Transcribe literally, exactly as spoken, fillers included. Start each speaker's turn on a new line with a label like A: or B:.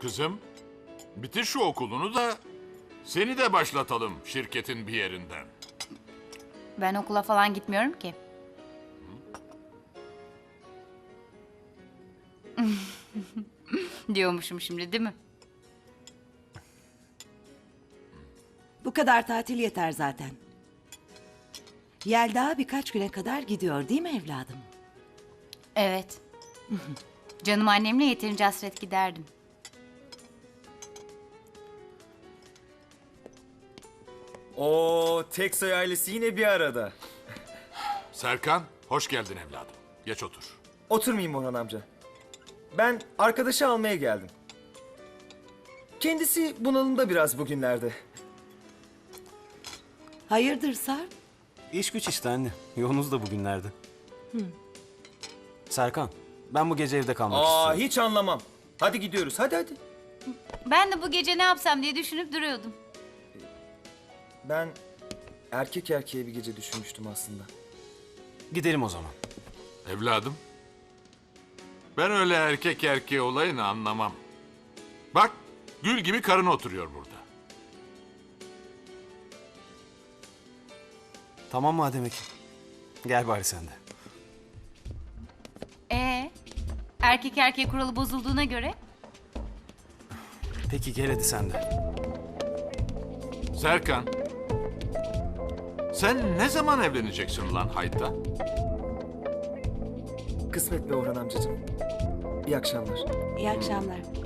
A: Kızım, bitir şu okulunu da seni de başlatalım şirketin bir yerinden.
B: Ben okula falan gitmiyorum ki. Diyormuşum şimdi, değil mi?
C: Bu kadar tatil yeter zaten. Yelda birkaç güne kadar gidiyor değil mi evladım?
B: Evet. Canım annemle yeterince hasret giderdim.
D: Oo, Teksoy ailesi yine bir arada.
A: Serkan, hoş geldin evladım. Geç otur.
D: Oturmayayım Orhan amca. Ben arkadaşı almaya geldim. Kendisi bunalımda biraz bugünlerde.
C: Hayırdır Sarp?
E: İş güç işte anne. Yoğunuz da bugünlerde. Serkan, ben bu gece evde kalmak
D: Aa,
E: istiyorum.
D: hiç anlamam. Hadi gidiyoruz, hadi hadi.
B: Ben de bu gece ne yapsam diye düşünüp duruyordum.
D: Ben erkek erkeğe bir gece düşünmüştüm aslında.
E: Gidelim o zaman.
A: Evladım, ben öyle erkek erkeğe olayını anlamam. Bak, gül gibi karın oturuyor burada.
E: Tamam madem Ekim. Gel bari sen de.
B: Ee, erkek erkeğe kuralı bozulduğuna göre
E: Peki gel hadi sen de.
A: Serkan, sen ne zaman evleneceksin lan Hayta?
D: Kısmet be Orhan amcacığım. İyi akşamlar.
C: İyi akşamlar.